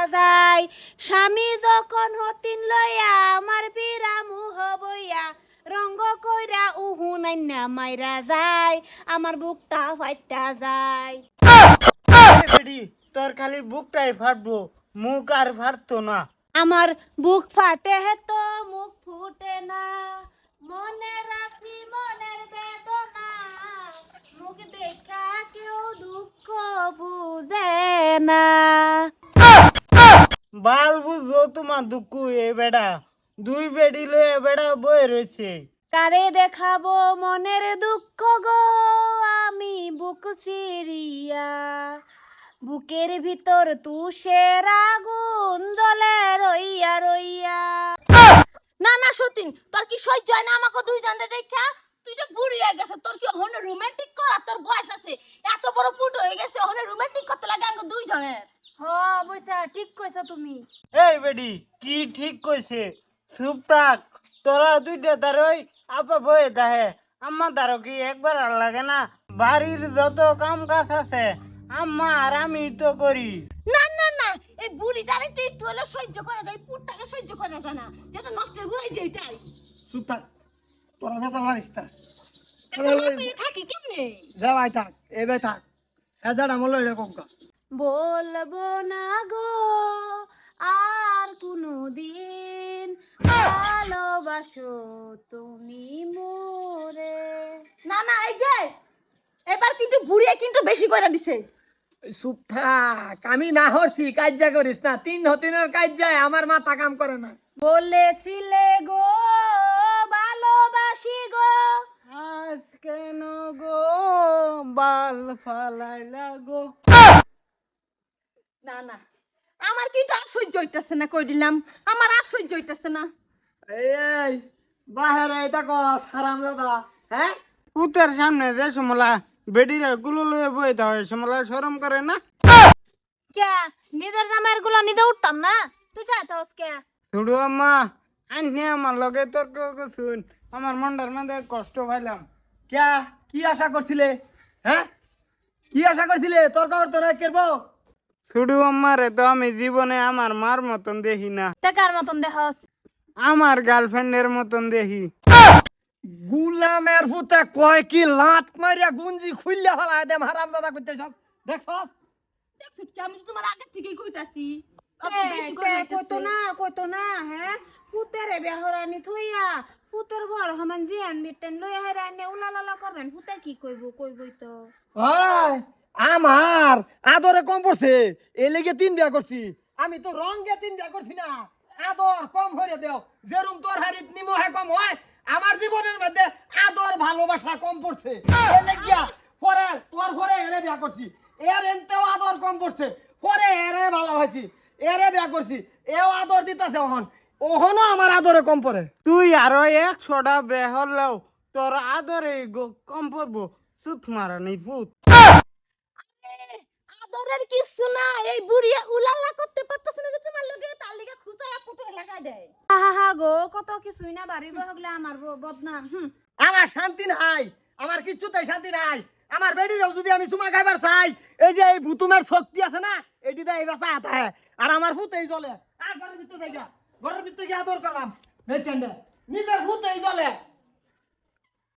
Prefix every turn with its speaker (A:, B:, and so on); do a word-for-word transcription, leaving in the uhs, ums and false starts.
A: যায় স্বামী যখন হতিন লইয়া আমার বিরামু হবইয়া রঙ্গ কইরা উহু নাইনা মাইরা যায় আমার বুকটা ফাইটা যায়।
B: বেডি তোর খালি বুকটাই ফাটবো, মুখ আর ফাটতো না।
A: আমার বুক ফাটে হে তো মুখ ফুটে না, মনে রাখি মনের বেদনা, মুখ দেখা কেউ দুঃখ বুঝে না।
B: বাল বুঝবো তোমার দুঃখ এ বেড়া, দুই বেডি লয়ে বেড়া বয়ে রয়েছে।
A: কারে দেখাবো মনের দুঃখ গো আমি বুক সিরিয়া, বুকের ভিতর তুষের আগুন জ্বলে রইয়া রইয়া। না না সতীন, তোর কি সহ্য হয় না আমাকে দুই জনের দেখা? তুই তো বুড়ি হয়ে গেছে, তোর কি ওখানে রোমান্টিক করা তোর বয়স আছে? এত বড় ফুট হয়ে গেছে, ওখানে রোমান্টিক করতে লাগে আমাকে দুই জনের।
C: হ্যাঁ বুঝছা, ঠিক কইছো তুমি।
B: এই বেডি কি ঠিক কইছে, চুপ থাক। তোরা দুইটা তারই আপা বয়ে তাহে, আম্মা তারও কি একবার আর লাগে না? বাড়ির যত কাম কাজ আছে আম্মা আর আমি তো করি।
A: না না না, এই বুড়িটার একটু একটু হলে সহ্য করা যায়, পুটটাকে সহ্য করা যায় না, যেটা নষ্টের ঘুরাই যে এটাই।
D: চুপ থাক, তোরা ভেতর মারিস না।
A: থাকি কেমনে?
D: যা ভাই থাক, এ ভাই থাক, হ্যাঁ যাটা মূল্য এরকম কা।
A: বলবো না গো আর কোনো দিন ভালোবাসো তুমি মোরে। না না, এই যে এবার কিন্তু বুড়িয়ে কিন্তু বেশি করে দিছে।
D: চুপ থাক, আমি না হরছি কাজ্যা করিস না। তিন হতিনের কাজ্যায় আমার মাথা কাম করে না।
A: বলেছিলে গো ভালোবাসি গো,
B: আজ কেন গো বাল ফালাইলা গো?
A: না না, আমার কিন্তু আর সহ্য হইতাছে না, কই দিলাম আমার আর সহ্য হইতাছে না।
D: এই বাহিরে এটা কস হারাম দাদা, হ্যাঁ
B: পুতের সামনে যে সমলা বেডিরা গুলো লয়ে বই হয়, সমলা শরম করে না?
C: কে নিজের জামাইয়ের গুলো নিজে উঠতাম না, তুই চাইতাস কে?
B: ছুড়ু আম্মা আইনি আমার লগে তর্ক করছুন, আমার মনটার মধ্যে কষ্ট পাইলাম।
D: কে কি আশা করছিলে? হ্যাঁ কি আশা করছিলে? তোর কবর তোরা কেরবো?
B: ছুড়ু আম্মারে তো আমি জীবনে আমার মার মতন দেখি না,
C: টাকার মতন দেখস।
B: আমার গার্লফ্রেন্ডের মতন দেখি।
D: গুলামের ফুতে কয় কি লাত মারিয়া গুঞ্জি খুললে হলা দেম হারাম দাদা করতে সব দেখছস?
A: দেখছিস কি, আমি তো তোমার আগে থেকেই কইতাছি।
C: কইতো
A: না কইতো না, হ্যাঁ পুতের বেহরানি থইয়া পুতের ঘর সমান জিয়ান মিটেন লই হেরানি উলালালা করবেন, পুতে কি কইব? কইবই তো।
D: ওই আমার আদরে কম পড়ছে, এই লেগে তিন বিয়া করছি। আমি তো রঙে তিন বিয়া করছি না, আদর কম হয়ে দেও। যেরম তোর হারিত নিমহে কম হয়, আমার জীবনের মধ্যে আদর ভালোবাসা কম পড়ছে। এই লেগিয়া পরে তোর ঘরে এরে বিয়া করছি, এর এনতেও আদর কম পড়ছে, পরে এরে ভালো হয়েছি, এরে বিয়া করছি, এও আদর দিতেছে। ওহন ওহনও আমার আদরে কম পড়ে।
B: তুই আরো একশোটা বেহরলেও তোর আদরে গো- কম পড়বো। সুত মারা নেই ভূত।
A: আদরের কিছু না, এই বুড়িয়া উলালা করতে পারতাছ না যে তোমার লগে তার লাগা খুচায়া পুতে লাগা দেয়। হা হা গো, কত কিছুই না বাড়ি বহগলে আমার ব- বদনাম। হুম,
D: আমার শান্তি নাই, আমার কিচ্ছুতেই শান্তি নাই। আমার বেডিরেও যদি আমি চুমা খাইবার চাই, এই যে এই ভুতুমের শক্তি আছে না, এটিতে এই বাসা হাতে হ্যাঁ। আর আমার ভূত এই জলে, আর ঘরের ভিতরে যাই গা, ঘরের ভিতরে গিয়ে আদর করলাম। এই টেন্ডে নিজের ভূত এই জলে